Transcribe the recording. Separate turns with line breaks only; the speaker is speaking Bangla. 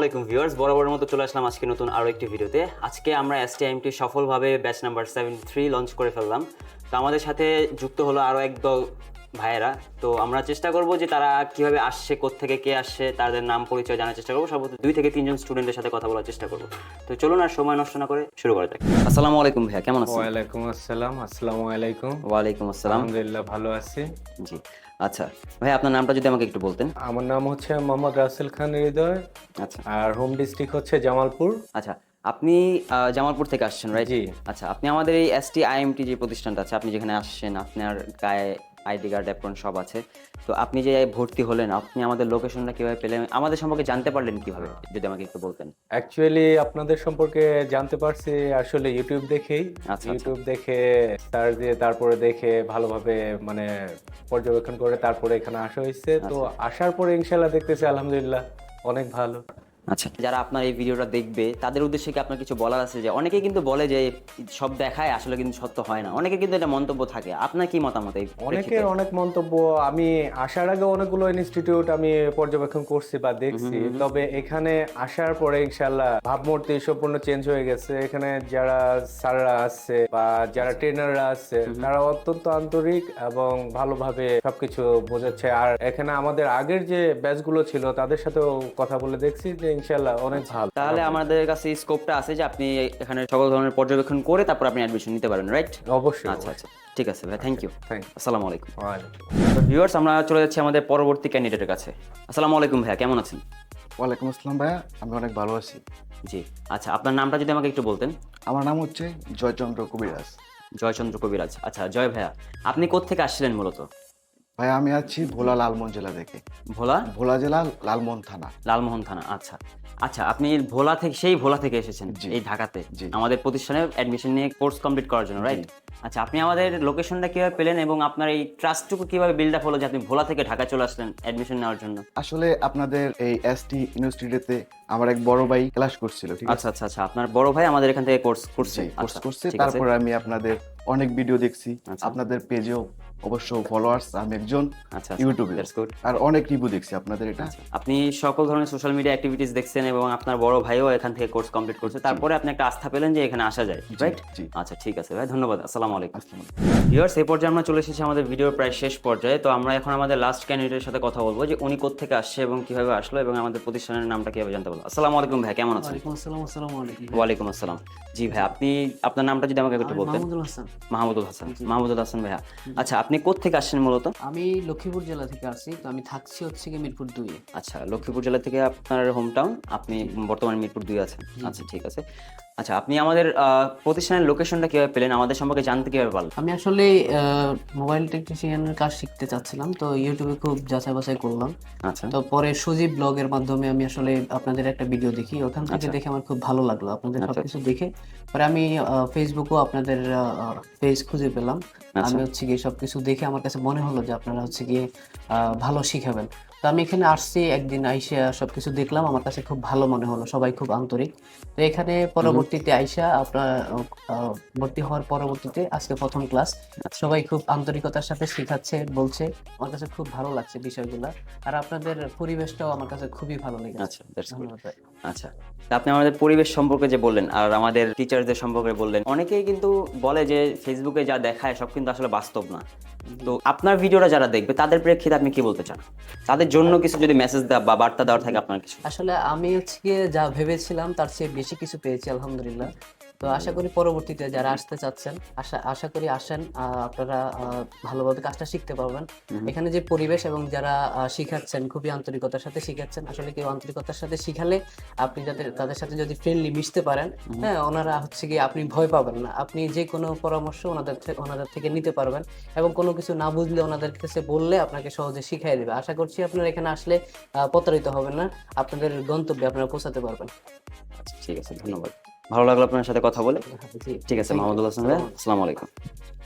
আলাইকুম ভিউয়ার্স, বরাবরের মতো চলে আসলাম আজকে নতুন আরও একটি ভিডিওতে। আজকে আমরা STIMT সফলভাবে ব্যাচ নাম্বার 73 লঞ্চ করে ফেললাম। তো আমাদের সাথে যুক্ত হলো আরও একদল ভাইয়েরা। তো আমরা চেষ্টা করব যে তারা কিভাবে আসছে, কোত্থেকে কে আসছে, তাদের নাম পরিচয় জানার চেষ্টা করবো। সর্বোচ্চ 2 থেকে 3 জন স্টুডেন্টের সাথে কথা বলার চেষ্টা করব। তো চলুন আর সময় নষ্ট না করে শুরু করা যাক। আসসালামু আলাইকুম ভাইয়া, কেমন আছেন?
ওয়ালাইকুম আসসালাম। আসসালামু আলাইকুম।
ওয়ালাইকুম আসসালাম।
আলহামদুলিল্লাহ ভালো আছি।
জি আচ্ছা ভাই, আপনার নামটা যদি আমাকে একটু বলতেন।
আমার নাম হচ্ছে মোহাম্মদ রাসেল খান হৃদয়।
আচ্ছা
আর হোম ডিস্ট্রিক্ট হচ্ছে জামালপুর।
আচ্ছা, আপনি জামালপুর থেকে আসছেন, রাইট?
জি।
আচ্ছা, আপনি আমাদের এই STIMT যে প্রতিষ্ঠানটা আছে, আপনি যেখানে আসছেন, আপনার গায়ে আইডি কার্ড অ্যাপ্রন সব আছে। তো আপনি যে ভর্তি হলেন, আপনি আমাদের লোকেশনটা কিভাবে পেলেন, আমাদের সম্পর্কে জানতে পারলেন কিভাবে, যদি আমাকে একটু বলতেন।
অ্যাকচুয়ালি আপনাদের সম্পর্কে জানতে পারছি আসলে ইউটিউব দেখেই।
আচ্ছা।
ইউটিউব দেখে সার্চ দিয়ে তারপরে দেখে ভালোভাবে মানে পর্যবেক্ষণ করে তারপরে এখানে আসা হয়েছে। তো আসার পরে ইনশাল্লাহ দেখতেছি আলহামদুলিল্লাহ অনেক ভালো।
আচ্ছা, যারা আপনার এই ভিডিওটা দেখবে তাদের উদ্দেশ্যে কি আপনার কিছু বলার আছে? যে অনেকে কিন্তু বলে যে সব দেখায় আসলে কিন্তু সত্য হয় না, অনেকে কিন্তু এটা মন্তব্য থাকে। আপনার কি মতামত এই
অনেকের
প্রেক্ষিতে?
অনেক মন্তব্য। আমি আসার আগে অনেকগুলো ইনস্টিটিউট আমি পর্যবেক্ষণ করছি বা দেখছি, তবে এখানে আসার পরে ইনশাল্লাহ ভাবমূর্তি সম্পূর্ণ চেঞ্জ হয়ে গেছে। এখানে যারা স্যাররা আছে বা যারা ট্রেনাররা আছে তারা অত্যন্ত আন্তরিক এবং ভালোভাবে সবকিছু বোঝাচ্ছে। আর এখানে আমাদের আগের যে ব্যাচগুলো ছিল তাদের সাথেও কথা বলে দেখছি যে ইনশাল্লাহ অনেক ভালো।
তাহলে আমাদের কাছে স্কোপটা আছে যে আপনি এখানে সকল ধরনের পর্যবেক্ষণ করে তারপর আপনি অ্যাডমিশন নিতে পারেন, রাইট?
অবশ্যই।
আচ্ছা আচ্ছা, ঠিক আছে ভাই, থ্যাংক ইউ।
থ্যাংক
আসসালামু আলাইকুম।
ইউ।
তো ভিউয়ার্স, আমরা চলে যাচ্ছি আমাদের পরবর্তী ক্যান্ডিডেটের কাছে। আসসালামু আলাইকুম ভাইয়া, কেমন আছেন?
ওয়ালাইকুম আসসালাম ভাইয়া, আমি অনেক ভালো আছি।
জি আচ্ছা, আপনার নামটা যদি আমাকে একটু বলতেন।
আমার নাম হচ্ছে জয়চন্দ্র কবিরাজ।
জয়চন্দ্র কবিরাজ। আচ্ছা জয় ভাইয়া, আপনি কোত্থেকে আসছিলেন মূলত?
ভাইয়া আমি আছি ভোলা লালমোহন জেলা থেকে।
ভোলা
ভোলা জেলা লালমোহন থানা।
লালমোহন থানা। আচ্ছা আচ্ছা, আপনি ভোলা থেকে, সেই ভোলা থেকে এসেছেন
জি।
এই ঢাকাতে
জি।
আমাদের প্রতিষ্ঠানে অ্যাডমিশন নিয়ে কোর্স কমপ্লিট করার জন্য, রাইট? আচ্ছা, আপনি আমাদের লোকেশনটা কিভাবে পেলেন এবং আপনার এই ট্রাস্টটুকু কিভাবে বিল্ড আপ হলো যে আপনি ভোলা থেকে ঢাকা চলে আসলেন অ্যাডমিশন নেওয়ার জন্য?
আসলে আপনাদের এই ST ইউনিভার্সিটিতে আমার এক বড় ভাই ক্লাস করছিল, ঠিক আছে?
আচ্ছা আচ্ছা আচ্ছা, আপনার বড় ভাই আমাদের এখান থেকে কোর্স করছে?
কোর্স
আচ্ছা,
করছে,
ঠিক আছে।
তারপরে আমি আপনাদের অনেক ভিডিও দেখছি।
আচ্ছা।
আপনাদের পেজেও অবশ্য ফলোয়ার্স, আমি একজন
আচ্ছা
ইউটিউবে,
দ্যাটস গুড।
আর অনেক রিভিউ দেখছি আপনাদের এটা।
আপনি সকল ধরনের সোশ্যাল মিডিয়া অ্যাক্টিভিটিস দেখছেন এবং আপনার বড় ভাইও এখান থেকে কোর্স কমপ্লিট করছে, তারপরে আপনি একটা আস্থা পেলেন যে এখানে আসা যায়, রাইট?
জি।
আচ্ছা ঠিক আছে ভাই, ধন্যবাদ। আসসালামু আলাইকুম।
আসসালামু
ভিউয়ার্স, এই পর্যায়ে আমরা চলে এসেছি আমাদের ভিডিওর প্রায় শেষ পর্যায়ে। তো আমরা এখন আমাদের লাস্ট ক্যান্ডিডেটের সাথে কথা বলবো যে উনি কোত্থেকে আসছে এবং কিভাবে আসলো এবং আমাদের প্রতিষ্ঠানের নামটা কিভাবে জানতে পারলো। আসসালামু আলাইকুম ভাই, কেমন আছেন?
আসসালামু আলাইকুম।
ওয়ালাইকুম আসসালাম। জি ভাই, আপনি আপনার নামটা যদি আমাকে একটু বলতেন।
মাহমুদুল হাসান।
মাহমুদুল হাসান। মাহমুদুল হাসান ভাইয়া, আচ্ছা আপনি কোত্থেকে আসছেন মূলত?
আমি লক্ষ্মীপুর জেলা থেকে আসছি, তো আমি থাকছি হচ্ছে কি মিরপুর 2 এ।
আচ্ছা, লক্ষ্মীপুর জেলা থেকে আপনার হোম টাউন, আপনি বর্তমানে মিরপুর 2 আছেন। আচ্ছা ঠিক আছে। আচ্ছা, আপনি আমাদের প্রতিষ্ঠানের লোকেশনটা কিভাবে পেলেন, আমাদের সম্পর্কে জানতে কিভাবে পারলেন?
আমি আসলে মোবাইল টেকনিশিয়ানের কাজ শিখতে চাচ্ছিলাম, তো ইউটিউবে খুব যাচাই বাছাই করলাম।
আচ্ছা
তো পরে সুজীব ব্লগের মাধ্যমে আমি আসলে আপনাদের একটা ভিডিও দেখি, ওখান থেকে দেখে আমার খুব ভালো লাগলো আপনাদের সবকিছু দেখে। পরে আমি ফেসবুকেও আপনাদের পেজ খুঁজে পেলাম। আমি হচ্ছে গিয়ে সবকিছু দেখে আমার কাছে মনে হলো যে আপনারা হচ্ছে গিয়ে ভালো শিখাবেন। তো আমি এখানে আসছি, একদিন আইসা সবকিছু দেখলাম, আমার কাছে খুব ভালো মনে হলো, সবাই খুব আন্তরিক। তো এখানে পরবর্তীতে আইসা আপনার ভর্তি হওয়ার পরবর্তীতে আজকে প্রথম ক্লাস, সবাই খুব আন্তরিকতার সাথে শেখাচ্ছে, বলছে, আমার কাছে খুব ভালো লাগছে বিষয়গুলো। আর আপনাদের পরিবেশটাও আমার কাছে খুবই ভালো লেগেছে।
আচ্ছা দ্যাটস গুড।
ধন্যবাদ ভাই।
আচ্ছা, তা আপনি আমাদের পরিবেশ সম্পর্কে যে বললেন আর আমাদের টিচারদের সম্পর্কে বললেন, অনেকেই কিন্তু বলে যে ফেসবুকে যা দেখায় সব কিন্তু আসলে বাস্তব না। তো আপনার ভিডিওটা যারা দেখবে তাদের প্রেক্ষিতে আপনি কি বলতে চান? তাদের জন্য কিছু যদি মেসেজ দেওয়া বা বার্তা দেওয়ার থাকে আপনার কিছু।
আসলে আমি হচ্ছে গিয়ে যা ভেবেছিলাম তার চেয়ে বেশি কিছু পেয়েছি আলহামদুলিল্লাহ। তো আশা করি পরবর্তীতে যারা আসতে চাচ্ছেন, আশা করি আসেন, আপনারা ভালোভাবে কাজটা শিখতে পারবেন। এখানে যে পরিবেশ এবং যারা শিখাচ্ছেন খুবই আন্তরিকতার সাথে শিখাচ্ছেন। আসলে কেউ আন্তরিকতার সাথে শিখালে আপনি তাদের সাথে যদি ফ্রেন্ডলি মিশতে পারেন, হ্যাঁ, ওনারা হচ্ছে গিয়ে আপনি ভয় পাবেন না, আপনি যে কোনো পরামর্শ ওনাদের থেকে নিতে পারবেন এবং কোনো কিছু না বুঝলে ওনাদের কাছে বললে আপনাকে সহজে শিখিয়ে দেবে। আশা করছি আপনারা এখানে আসলে প্রতারিত হবেন না, আপনাদের গন্তব্যে আপনারা পৌঁছাতে পারবেন।
আচ্ছা ঠিক আছে, ধন্যবাদ। ভালো লাগলো আপনার সাথে কথা বলে।
জি,
ঠিক আছে,
thank you.
মাহমুদুল হাসান ভাই, আসসালামু আলাইকুম।